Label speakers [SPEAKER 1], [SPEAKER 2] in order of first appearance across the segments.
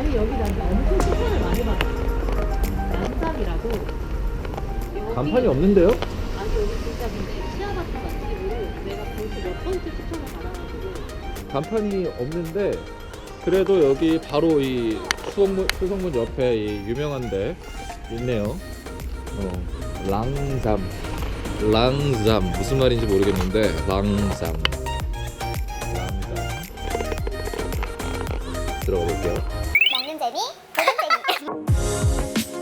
[SPEAKER 1] 근데 여기 나한테 엄청 추천을 많이 받았어. 난상이라고.
[SPEAKER 2] 간판이 없는데요?
[SPEAKER 1] 아니 여기 진짜 근데 치아바타 맛집으로 내가 벌써 몇 번째 추천을 받아가지고.
[SPEAKER 2] 간판이 없는데 그래도 여기 바로 이 수성문 옆에 이 유명한 데 있네요. 랑잠 무슨 말인지 모르겠는데 랑잠 들어가 볼게요.
[SPEAKER 3] 먹는 재미, 보는 재미.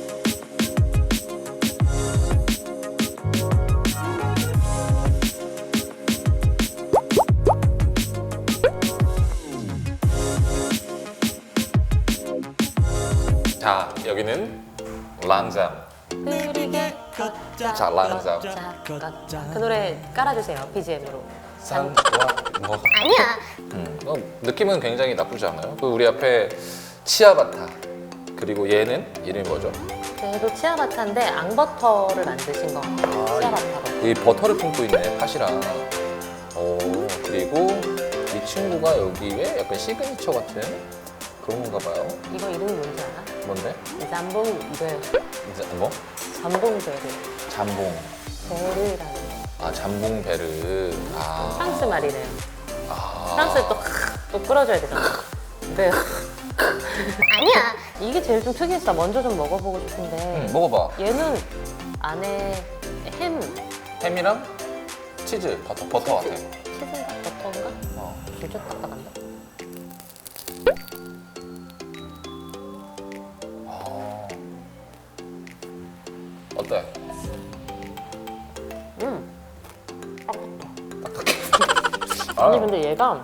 [SPEAKER 4] 자, 여기는 랑잠.
[SPEAKER 5] 흐리게 걷자
[SPEAKER 4] 자, 랑잠.
[SPEAKER 5] 걷자. 그 노래 깔아주세요, BGM으로.
[SPEAKER 4] 산, 와, 뭐.
[SPEAKER 3] 아니야.
[SPEAKER 4] 느낌은 굉장히 나쁘지 않아요. 그 우리 앞에 치아바타. 그리고 얘는 이름이 뭐죠?
[SPEAKER 5] 얘도 치아바타인데 앙버터를 만드신 거 같아요. 치아바타로.
[SPEAKER 4] 이 버터를 품고 있네, 팥이랑. 오, 그리고 이 친구가 여기에 약간 시그니처 같은 그런 건가 봐요.
[SPEAKER 5] 이거 이름이 뭔지 알아?
[SPEAKER 4] 뭔데?
[SPEAKER 5] 잠봉베르.
[SPEAKER 4] 이제 뭐?
[SPEAKER 5] 잠봉베르.
[SPEAKER 4] 잠봉.
[SPEAKER 5] 베르라는 거.
[SPEAKER 4] 아, 잠봉베르. 아.
[SPEAKER 5] 프랑스 말이래요.
[SPEAKER 4] 아.
[SPEAKER 5] 프랑스에 또 끌어줘야 되잖아. 네.
[SPEAKER 3] 아니야.
[SPEAKER 5] 이게 제일 좀 특이했어. 먼저 좀 먹어보고 싶은데.
[SPEAKER 4] 먹어봐.
[SPEAKER 5] 얘는 안에 햄,
[SPEAKER 4] 햄이랑 치즈, 버터 같아.
[SPEAKER 5] 치즈인가 버터인가?
[SPEAKER 4] 어.
[SPEAKER 5] 진짜 딱딱한데?
[SPEAKER 4] 아. 어때?
[SPEAKER 5] 아니 근데 얘가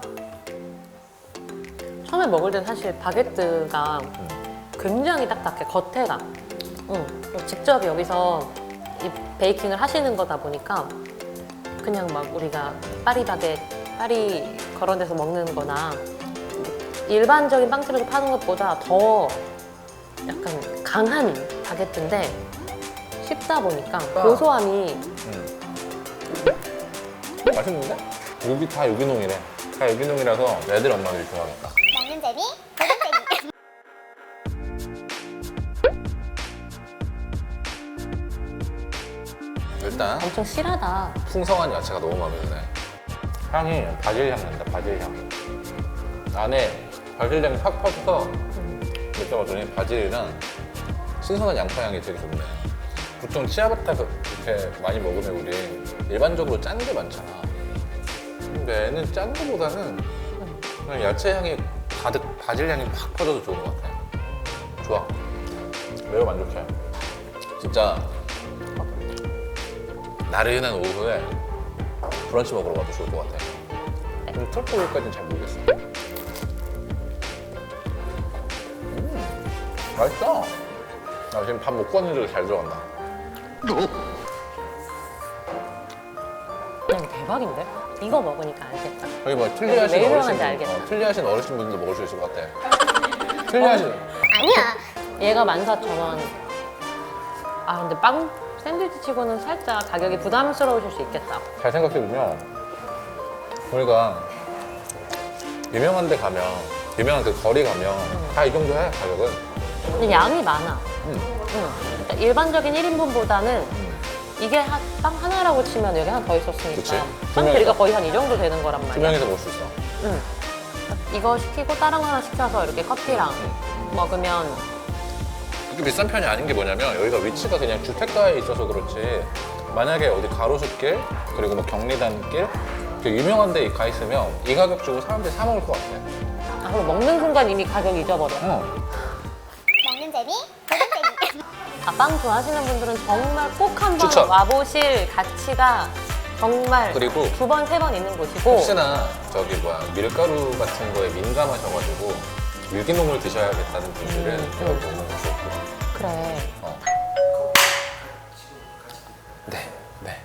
[SPEAKER 5] 처음에 먹을 땐 사실 바게트가 굉장히 딱딱해, 겉에가. 직접 여기서 이 베이킹을 하시는 거다 보니까 그냥 막 우리가 파리 그런 데서 먹는 거나 일반적인 빵집에서 파는 것보다 더 약간 강한 바게트인데 씹다 보니까 고소함이
[SPEAKER 4] 맛있는데? 여기 다 유기농이래. 다 유기농이라서 애들 엄마들이 좋아하겠다.
[SPEAKER 3] 먹는 재미, 보는 재미.
[SPEAKER 4] 일단
[SPEAKER 5] 엄청 실하다.
[SPEAKER 4] 풍성한 야채가 너무 마음에 드네. 향이 바질 향 난다, 바질 향. 안에 바질 향이 팍 퍼져서 느껴봤더니 바질이랑 신선한 양파 향이 되게 좋네. 보통 치아바타 이렇게 많이 먹으면 우리 일반적으로 짠 게 많잖아. 근데 얘는 짠 거보다는 그냥 야채 향이 가득 바질 향이 팍 퍼져서 좋은 것 같아. 좋아. 매우 만족해. 진짜 나른한 오후에 브런치 먹으러 가도 좋을 것 같아. 근데 트러플까지는 잘 모르겠어. 맛있어. 나 지금 밥 먹고 왔는데도 잘 들어간다.
[SPEAKER 5] 대박인데? 이거 먹으니까 알겠다.
[SPEAKER 4] 여기 뭐
[SPEAKER 5] 왜
[SPEAKER 4] 틀리하신
[SPEAKER 5] 유명한지 알겠다.
[SPEAKER 4] 틀리하신 어르신분들도 먹을 수 있을 것 같아. 틀리하신.
[SPEAKER 3] 아니야.
[SPEAKER 5] 얘가 14,000원. 아 근데 빵 샌드위치 치고는 살짝 가격이 부담스러우실 수 있겠다.
[SPEAKER 4] 잘 생각해보면 우리가 유명한 데 가면 유명한 그 거리 가면 다 이 정도 해 가격은.
[SPEAKER 5] 근데 양이 많아. 그러니까 일반적인 1인분보다는 이게 빵 하나라고 치면 여기 하나 더 있었으니까
[SPEAKER 4] 그치.
[SPEAKER 5] 빵 크기가 거의 한 이 정도 되는 거란
[SPEAKER 4] 두
[SPEAKER 5] 말이야.
[SPEAKER 4] 명이서 먹을 수 있어.
[SPEAKER 5] 이거 시키고 다른 거 하나 시켜서 이렇게 커피랑 먹으면
[SPEAKER 4] 그렇게 비싼 편이 아닌 게 뭐냐면 여기가 위치가 그냥 주택가에 있어서 그렇지 만약에 어디 가로수길 그리고 뭐 경리단길 그 유명한 데 가 있으면 이 가격 주고 사람들이 사 먹을 것 같아.
[SPEAKER 5] 아, 그럼 먹는 순간 이미 가격 잊어버려.
[SPEAKER 3] 먹는 재미, 보는 재미.
[SPEAKER 5] 아, 빵 좋아하시는 분들은 정말 꼭 한번
[SPEAKER 4] 추천.
[SPEAKER 5] 와보실 가치가 정말
[SPEAKER 4] 그리고
[SPEAKER 5] 두 번, 세 번 있는 곳이고
[SPEAKER 4] 혹시나 저기 뭐야 밀가루 같은 거에 민감하셔가지고 유기농을 드셔야겠다는 분들은 여기 오는 거 좋고.
[SPEAKER 5] 그래.
[SPEAKER 4] 네, 네.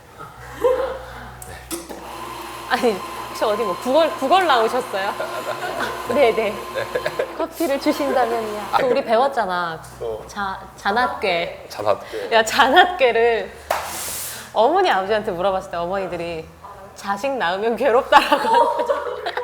[SPEAKER 5] 아니 혹시 어디 뭐 구걸 나오셨어요? 네네. 커피를 주신다면요. 또 우리 배웠잖아.
[SPEAKER 4] 또.
[SPEAKER 5] 잔압괴.
[SPEAKER 4] 자답게.
[SPEAKER 5] 야 잔압괴를 어머니 아버지한테 물어봤을 때 어머니들이 자식 낳으면 괴롭다라고.